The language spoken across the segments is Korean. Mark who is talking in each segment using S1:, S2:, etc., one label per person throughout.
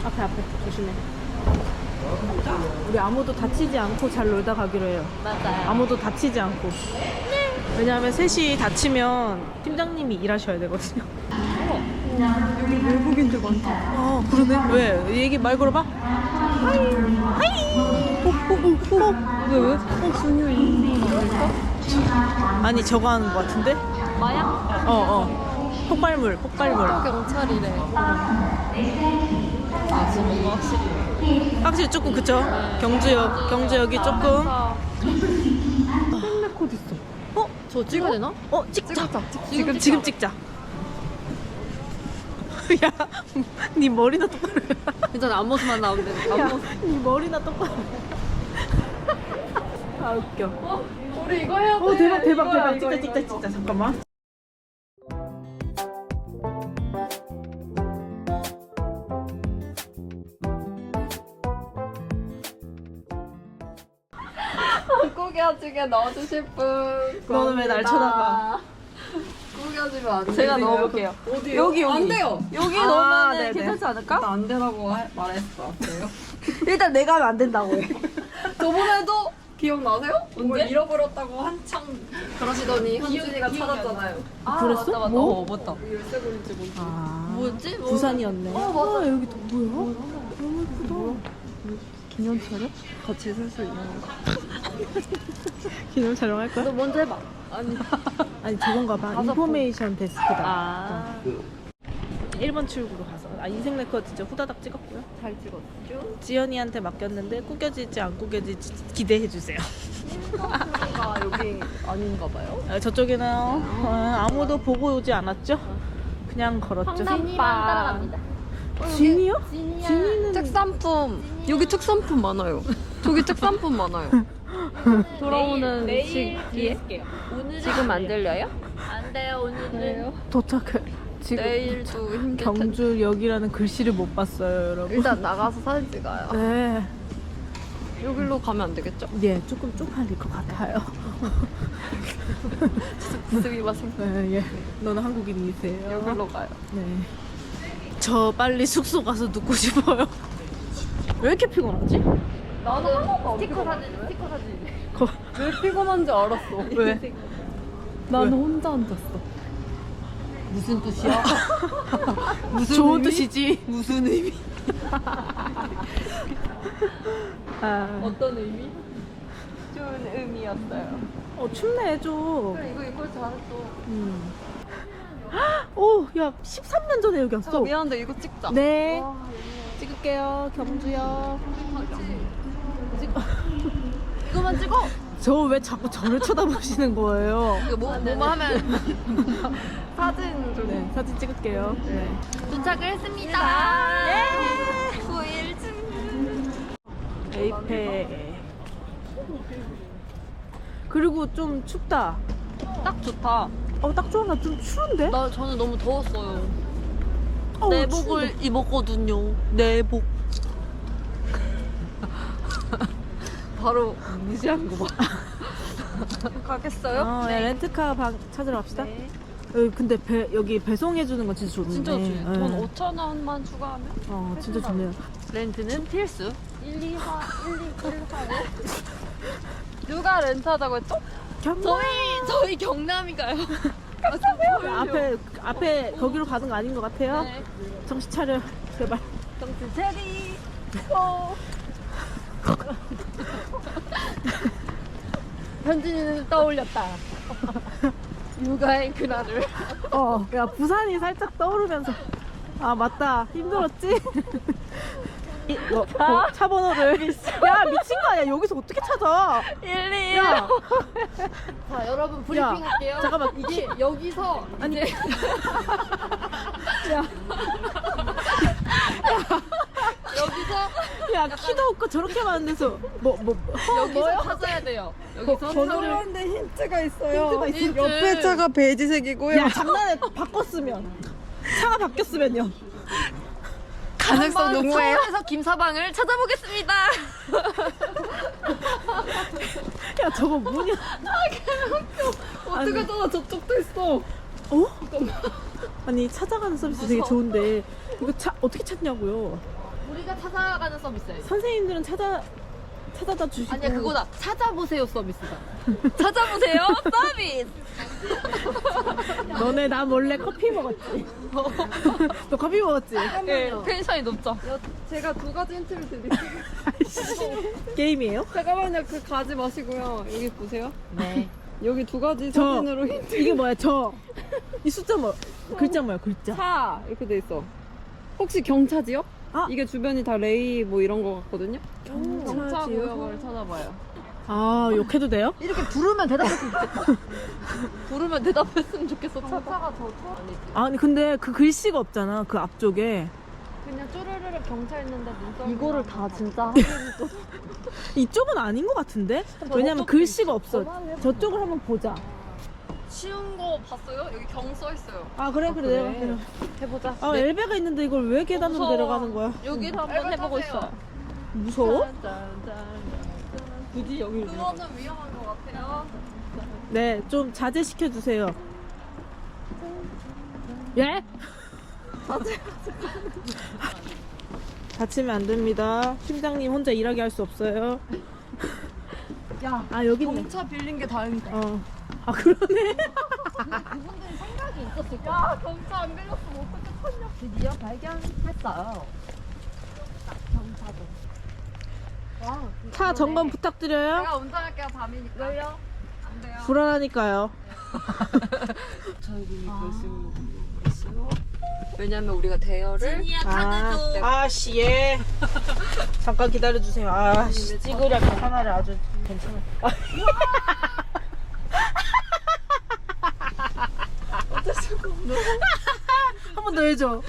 S1: 앞에 조심해. 우리 아무도 다치지 않고 잘 놀다 가기로 해요.
S2: 맞아요.
S1: 아무도 다치지 않고. 왜냐하면 셋이 다치면 팀장님이 일하셔야 되거든요.
S2: 여기 외국인들 많다.
S1: 아 그러네. 왜? 얘기 말 걸어봐. 하이. 하이. 왜?
S2: 중요 인생 아닐까?
S1: 아니 저거 하는 거 같은데?
S2: 마약?
S1: 폭발물.
S2: 경찰이래. 아, 지금 뭔가 확실히.
S1: 확실히 조금 그쵸? 경주역이 조금.
S2: 헬메코드 있어. 저 찍어야 되나?
S1: 찍자.
S2: 지금
S1: 지금 찍자. 야, 네 머리나 똑바로 해.
S2: 괜찮아, 앞모습만 나오면 돼.
S1: 야,
S2: 앞모습.
S1: 네 머리나 똑바로 해. 아 웃겨.
S2: 우리 이거 해야 돼.
S1: 대박. 찍자. 잠깐만.
S2: 꾸겨지게 넣어주실 분.
S1: 너는 왜 날 쳐다봐?
S2: 꾸겨지면 안 돼.
S1: 제가 넣어볼게요.
S2: 어디요? 여기. 안 돼요.
S1: 여기
S2: 넣으면
S1: 네네.
S2: 괜찮지 않을까? 나 안 되라고 말했어. 그래요?
S1: 일단 내가 하면 안 된다고 해.
S2: 저번에도 기억나세요? 뭘 잃어버렸다고 한창 그러시더니 현준이가 찾았잖아요.
S1: 그랬어?
S2: 뭐? 맞다. 열쇠고리인지 뭔지. 뭐였지?
S1: 부산이었네.
S2: 맞아.
S1: 여기 또 뭐야? 너무 예쁘다.
S2: 기념 촬영? 같이 쓸 수 있는 거.
S1: 기념 촬영할 거야?
S2: 너 먼저 해봐.
S1: 아니 저건가 봐. 인포메이션 데스크다. 1번 출구로 가서 인생 네컷 진짜 후다닥 찍었고요.
S2: 잘 찍었죠?
S1: 지연이한테 맡겼는데 꾸겨질지 안 꾸겨질지 기대해 주세요.
S2: 가 여기 아닌가 봐요.
S1: 저쪽에는 아무도 보고 오지 않았죠? 그냥 걸었죠.
S2: 따라갑니다.
S1: 진이요? 진이는
S2: 특산품. 여기 특산품 많아요. 저기 특산품 많아요. 돌아오는 시기에 지금 안 들려요?
S3: 안 돼요, 오늘은.
S1: 도착해. 지금
S2: 내일도 힘들 텐데.
S1: 경주역이라는 글씨를 못 봤어요, 여러분.
S2: 일단 나가서 사진 찍어요.
S1: 네.
S2: 여기로 가면 안 되겠죠?
S1: 예, 조금 쪽팔릴 것 같아요.
S2: 스미마셍.
S1: 네, 예. 너는 한국인이세요.
S2: 여기로 가요.
S1: 네. 저 빨리 숙소 가서 눕고 싶어요. 왜 이렇게 피곤하지?
S2: 나는 하나도 안
S3: 스티커
S2: 피곤해.
S3: 사진.
S2: 왜 피곤한지 알았어.
S1: 왜?
S2: 나는 혼자 앉았어. 무슨 뜻이야? 무슨
S1: 좋은
S2: 의미?
S1: 뜻이지.
S2: 무슨 의미?
S1: 아,
S2: 어떤 의미? 좋은 의미였어요.
S1: 춥네 좀.
S2: 그래 이거 잘했어.
S1: 오, 야, 13년 전에 여기 왔어.
S2: 미안한데 이거 찍자.
S1: 네.
S2: 와,
S1: 찍을게요, 경주요.
S2: 이거만 찍어.
S1: 저 왜 자꾸 저를 쳐다보시는 거예요?
S2: 이거 뭐만 하면 사진 좀.
S1: 네, 사진 찍을게요. 네.
S3: 도착을 했습니다.
S1: 예!
S3: 9일쯤.
S1: 에이페. 그리고 좀 춥다.
S2: 딱 좋다.
S1: 딱 좋아. 나 좀 추운데?
S2: 저는 너무 더웠어요.
S1: 내복을
S2: 입었거든요. 내복. 바로 무시한 거 봐. 가겠어요?
S1: 네. 렌트카 찾으러 갑시다.
S2: 네.
S1: 근데 여기 배송해주는 건 진짜 좋네.
S2: 진짜 좋지.
S1: 네.
S2: 돈 5,000원만 추가하면?
S1: 진짜 좋네요.
S2: 렌트는 필수. 1, 2, 4, 1, 2, 1, 4, 5. 누가 렌트하자고 했죠?
S3: 저희 경남이가요.
S1: 앞에 거기로 가는 거 아닌 것 같아요.
S2: 네.
S1: 정신 차려, 제발.
S2: 정신 체리. 현진이는 떠올렸다. 육아의 그날을.
S1: 야, 부산이 살짝 떠오르면서. 아, 맞다. 힘들었지? 차 번호를. 야, 미친 거 아니야. 여기서 어떻게 찾아?
S2: 1, 2,
S1: 야,
S2: 자, 여러분 브리핑
S1: 야,
S2: 할게요.
S1: 잠깐만.
S2: 이게 여기서
S1: 아니,
S2: 이제
S1: 야,
S2: 여기서
S1: 야, 키도 없고 저렇게 많은 데서
S2: 여기서 찾아야 돼요. 여기서
S1: 번호를
S2: 힌트가 있어요.
S1: 힌트가 있어.
S2: 옆에 차가 베이지색이고요.
S1: 야, 장난해. 바꿨으면. 차가 바뀌었으면요.
S2: 가능성 농후해요.
S3: 서울에서 김서방을 찾아보겠습니다.
S1: 야, 저거 뭐냐?
S2: 어떻게 찾아? 저쪽도 있어.
S1: 아니, 찾아가는 서비스 되게 좋은데 이거 차 어떻게 찾냐고요?
S3: 우리가 찾아가는 서비스예요.
S1: 선생님들은 찾아다 주시고.
S3: 아니야 그거다. 찾아보세요 서비스다. 찾아보세요 서비스.
S1: 너네 나 몰래 커피 먹었지? 너 커피 먹었지?
S3: 네, 텐션이 높죠.
S2: 제가 두 가지 힌트를 드릴게요.
S1: 게임이에요?
S2: 잠깐만요. 그 가지 마시고요. 여기 보세요.
S3: 네.
S2: 여기 두 가지
S1: 저.
S2: 사진으로 힌트.
S1: 이게 뭐야 이 숫자 뭐 글자 뭐야 글자.
S2: 차 이렇게 돼 있어. 혹시 경차지역?
S1: 아.
S2: 이게 주변이 다 레이 뭐 이런 거 같거든요.
S3: 경차 구역을 찾아봐요.
S1: 아 욕해도 돼요?
S3: 이렇게 부르면 대답했으면 좋겠다. 부르면 대답했으면 좋겠어.
S2: 경차가 더 아니지.
S1: 아니 근데 그 글씨가 없잖아 그 앞쪽에.
S2: 그냥 쪼르르르 경차 있는데 눈썹.
S3: 이거를 다 진짜
S1: 이쪽은 아닌 것 같은데? 왜냐면 글씨가 없어. 저쪽을 한번 보자.
S3: 쉬운 거 봤어요? 여기 경 써 있어요.
S1: 아 그래 내려가.
S2: 해보자.
S1: 아 엘베가 있는데 이걸 왜 계단으로
S3: 무서워.
S1: 내려가는 거야?
S3: 여기를 한번 해보고 있어요.
S1: 무서워?
S3: 굳이 여기 그거는 위험한 것 같아요.
S1: 네, 좀 자제시켜 주세요. 예? 다치면 안 됩니다. 팀장님 혼자 일하게 할 수 없어요.
S3: 야,
S1: 아 여기 있네.
S3: 경차 빌린 게 다행이다.
S1: 아 그러네.
S3: 그분들이 생각이 있었을 거야. 야, 경차 안 빌렸으면 어떻게 탔냐? 드디어 발견했어요. 경차도. 와,
S1: 차 점검 부탁드려요.
S3: 제가 운전할게요, 밤이니까. 왜요? 안 돼요.
S1: 불안하니까요.
S2: 저희분이 결승으로 있어요. 왜냐면 우리가 대여를
S1: 아씨 예. 잠깐 기다려 주세요. 아씨 찌그려 하나를 아주 괜찮아. 한 번 더 해줘.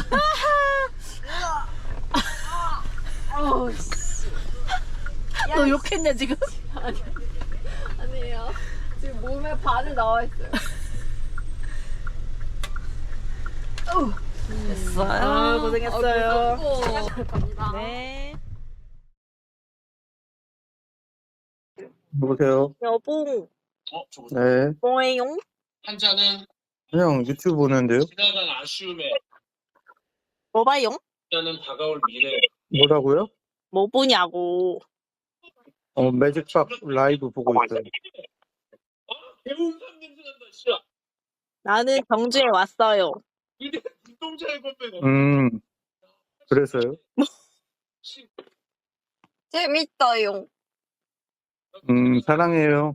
S1: 너 욕했냐 지금?
S3: 아니에요. 지금 몸에 반을 나와 있어요. 됐어요.
S1: 아, 고생했어요.
S3: 갑니다.
S1: 네.
S4: 여보세요?
S1: 여봉
S4: 네.
S1: 뭐예요?
S5: 한자는
S4: 그냥 유튜브 보는데요?
S5: 지나간 아쉬움에
S1: 뭐 봐요?
S5: 한자는 다가올 미래.
S4: 뭐라고요?
S1: 뭐 보냐고.
S4: 매직박 라이브 보고 있어요.
S5: 배운 산 냄새 난다, 씨야.
S1: 나는 경주에 왔어요.
S5: 이게 눈동자의 건배가.
S4: 그래서요?
S3: 재밌어요.
S4: 사랑해요.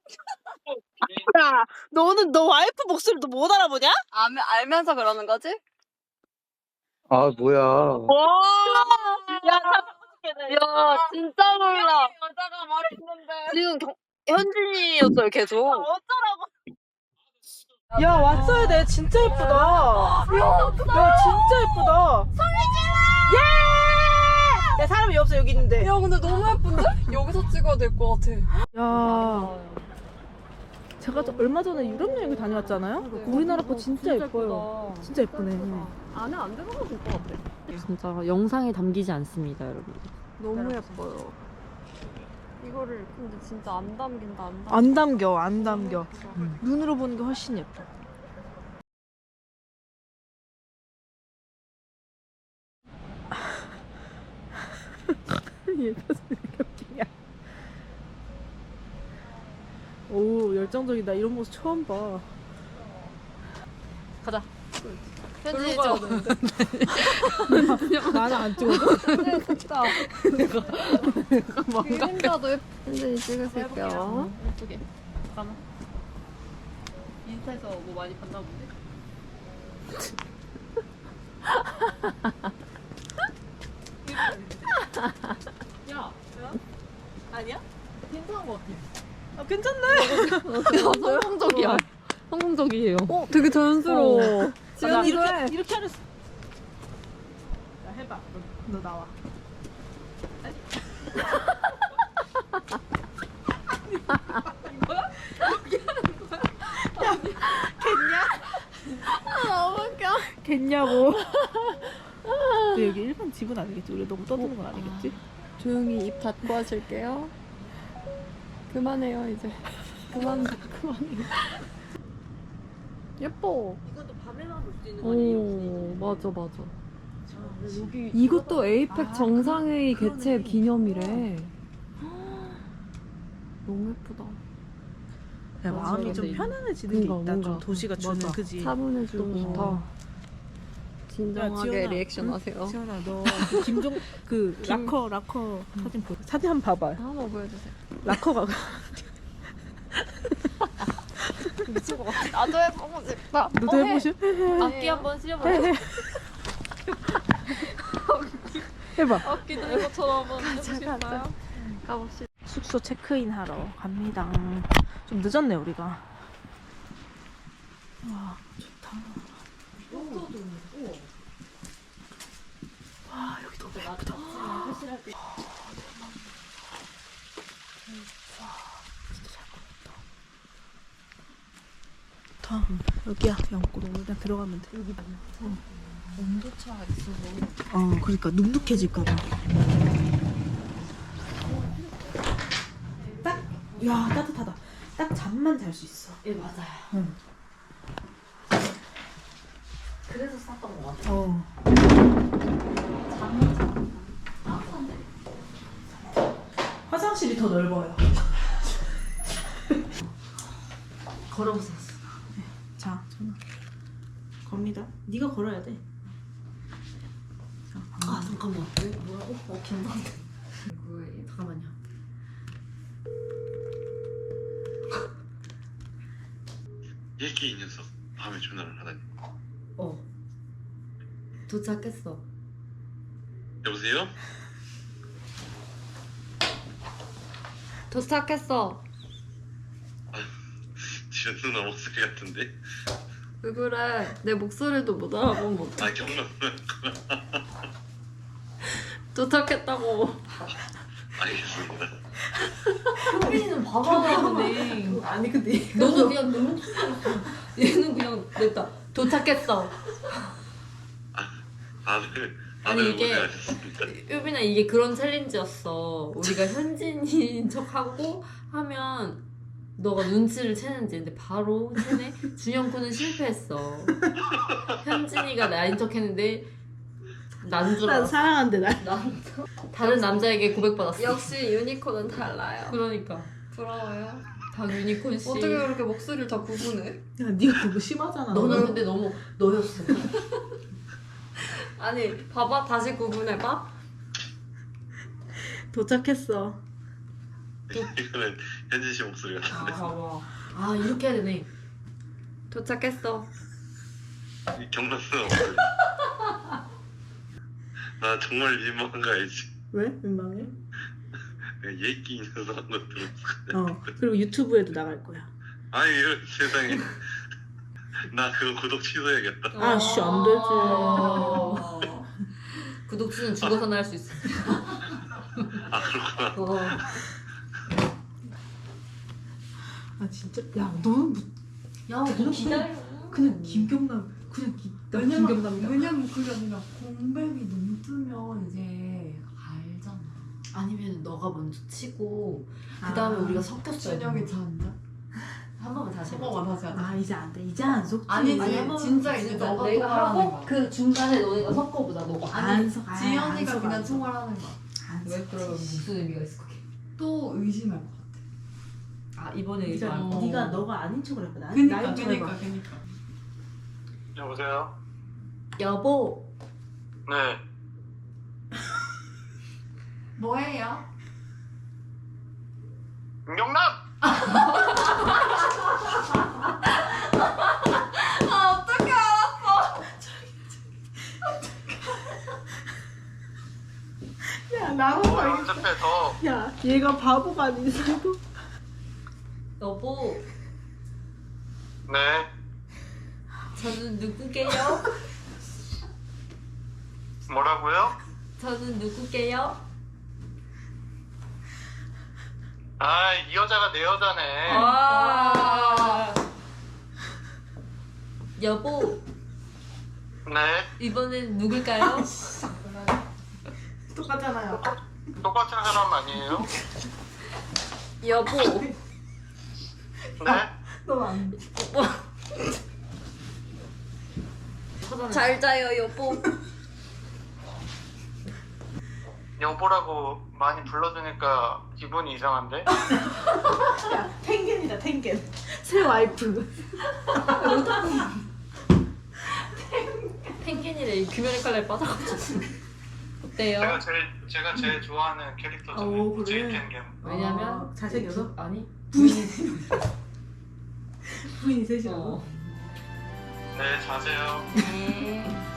S1: 야, 너는 너 와이프 목소리도 못 알아보냐?
S3: 알면서 그러는 거지?
S4: 아, 뭐야.
S3: 와! 야, 야, 진짜 몰라. 여자가 말했는데. 지금 현진이었어요, 계속. 어쩌라고.
S1: 야, 왔어야 돼. 진짜 예쁘다. 야, 진짜 예쁘다. 예! 야, 사람이 없어, 여기 있는데.
S2: 야 근데 너무 예쁜데? 여기서 찍어야 될 것 같아.
S1: 야. 제가 얼마 전에 유럽 여행을 다녀왔잖아요. 우리나라 거 진짜 예뻐요. 진짜 예쁘네.
S2: 안에 안 들어가도 될 것 같아.
S6: 진짜 영상에 담기지 않습니다, 여러분.
S2: 너무 예뻐요. 이거를 근데 진짜 안 담긴다 안 담긴다.
S1: 안 담겨, 안 담겨. 눈으로 보는 게 훨씬 예뻐. 얘 표정이 이렇게 웃기냐. 오, 열정적이다. 이런 모습 처음 봐.
S3: 가자. 현진이 찍어.
S1: 나는 안 찍어도?
S2: 진짜. 그림자도 현진이 찍으실게요.
S3: 예쁘게. 잠깐만. 인스타에서 뭐 많이 봤나 본데? 야, 아니야? 괜찮은 것 같아.
S1: 아, 괜찮네.
S3: 성공적이야. 성공적이에요.
S2: 되게 자연스러워.
S1: 지연이도 해. 이렇게 하랬어. 야, 해봐. 너 나와.
S3: 너무 웃겨.
S1: 겠냐고. 근데 여기 일반 집은 아니겠지? 우리 너무 떠드는 건 아니겠지?
S2: 조용히 입 닫고 하실게요. 그만해요 이제. 그만해요. 예뻐.
S3: 이것도 밤에만 볼 수 있는
S2: 오 맞아 맞아.
S6: 이것도 에이펙 정상회의 개최 기념이래. 너무 예쁘다.
S1: 야, 마음이 좀 편안해지는 게
S6: 뭔가,
S1: 있다. 좀 도시가 주는
S6: 맞아.
S1: 그지.
S6: 차분해지고.
S1: 너무 좋다.
S6: 진정하게
S1: 지연아,
S6: 리액션 하세요.
S1: 지연아 너 김종 그 락커 사진 보 사진 한번 봐봐.
S6: 한번 보여주세요.
S1: 락커가
S6: 미친 것 같아. 나도 해보고 싶다.
S1: 너도 해보셔?
S6: 악기 한번 씌워볼래?
S1: 해봐.
S6: 악기 들은 것처럼 한번 해보실까요? 가봅시다.
S1: 숙소 체크인 하러 갑니다. 좀 늦었네 우리가. 와 좋다. 와 여기 너무 예쁘다. 좋다. 여기야 영구로 그냥 들어가면 돼. 여기 보면.
S6: 온도차 있어서.
S1: 그러니까 눅눅해질까봐. 딱, 야 따뜻하다. 딱 잠만 잘 수 있어.
S6: 예, 맞아요.
S1: 응.
S6: 그래서 쌌던 것 같아.
S1: 화장실이 더 넓어요.
S6: 걸어보세요.
S1: 자, 전화. 겁니다. 네가 걸어야 돼. 자,
S6: 아, 잠깐만. 왜, 뭐라고? 긴장돼. 잠깐만요.
S5: 얘기 이 녀석 밤에 전화를 하다니.
S6: 도착했어.
S5: 여보세요?
S6: 도착했어.
S5: 지연 누나 목소리 같은데?
S6: 왜 그래? 내 목소리도 못 알아보면 어떡해.
S5: 아 경남
S6: 도착했다고.
S5: 알겠습니다.
S6: 효빈이는 봐봐야 되네.
S1: 아니 근데
S6: 너는 그냥 너무 얘는 그냥 냈다. 도착했어.
S5: 다들
S6: 아니, 이게-
S5: 고생하셨습니다.
S6: 효빈아 이게 그런 챌린지였어. 우리가 현진인 척하고 하면 너가 눈치를 채는지. 근데 바로 채네. 준영군은 실패했어. 현진이가 나인 척했는데 난 줄
S1: 난
S6: 알았어.
S1: 사랑한대 날.
S6: 다른 남자에게 고백받았어.
S3: 역시 유니콘은 달라요.
S6: 그러니까
S3: 부러워요.
S6: 박 유니콘 씨.
S3: 어떻게 그렇게 목소리를 다 구분해?
S1: 야 네가 그거 심하잖아.
S6: 너는 근데 너무 너였어.
S3: 아니 봐봐 다시 구분해봐.
S1: 도착했어.
S5: 이거는 현진 씨 목소리 같은데.
S6: 봐봐. 아 이렇게 해야 되네.
S3: 도착했어.
S5: 이 경남 누나 목소리. 나 정말 민망한 거 알지?
S1: 왜? 민망해?
S5: 내가 얘기 이 녀석 한 거 들었어.
S1: 그리고 유튜브에도 나갈 거야.
S5: 아니 이런 세상에. 나 그거 구독 취소해야겠다.
S1: 아씨 안 되지.
S6: 구독수는 죽어서나 할 수 있어.
S5: 아 그렇구나.
S1: 아 진짜? 야 너는 뭐,
S6: 야, 너 기다려.
S1: 그냥 김경남 그냥 나 김경남이다.
S3: 왜냐면 그게 아니라 공백이 너무 뜨면 이제 알잖아.
S6: 아니면 너가 먼저 치고 그 다음에 우리가 섞였어야 돼.
S3: 준영이 잔다.
S6: 한 번만 다시
S3: 한
S6: 해봐.
S3: 번만 다시 하자.
S1: 아 이제 안 돼. 이제 안 속지.
S3: 아니지
S6: 아니, 한 번만
S3: 진짜
S6: 다시
S3: 이제
S6: 해봐.
S3: 너가
S6: 내가
S3: 통화하는
S6: 하고
S3: 거야.
S6: 그 중간에 너네가 섞어보자. 너가.
S1: 안 속.
S3: 지연이가 그냥 통화하는 거야.
S6: 왜 그러면 무슨 의미가 있을 거게?
S3: 또 의심할 것 같아.
S6: 아 이번에 이거 안 거.
S1: 네가 너가 아닌 척을 했구나.
S3: 그니까.
S5: 여보세요?
S6: 여보.
S5: 네.
S3: 뭐예요?
S5: 경남.
S1: 야 나도 알겠어.
S5: 연습해 더.
S1: 야 얘가 바보가 아니고.
S6: 여보.
S5: 네.
S6: 저는 누구게요?
S5: 뭐라고요?
S6: 저는 누구게요?
S5: 아, 이 여자가 내 여자네.
S6: 아. 여보.
S5: 네.
S6: 이번엔 누굴까요?
S1: 똑같잖아요.
S5: 똑같은 사람 아니에요?
S6: 여보.
S5: 네.
S1: 너안
S6: 잘 자요 여보.
S4: 여보라고 많이 불러주니까 기분이 이상한데?
S1: 탱겐이다 탱겐. 새 와이프.
S6: 펭귄이래 규면의 칼날에 빠져가지고. 어때요?
S4: 제가 제일 좋아하는 캐릭터잖아요.
S1: 오, 그래?
S4: 제이 펭귄.
S6: 왜냐면
S1: 잘생겨서?
S6: 아니
S1: 부인이 셋이라고?
S6: 어.
S4: 네, 자세요.
S6: 네.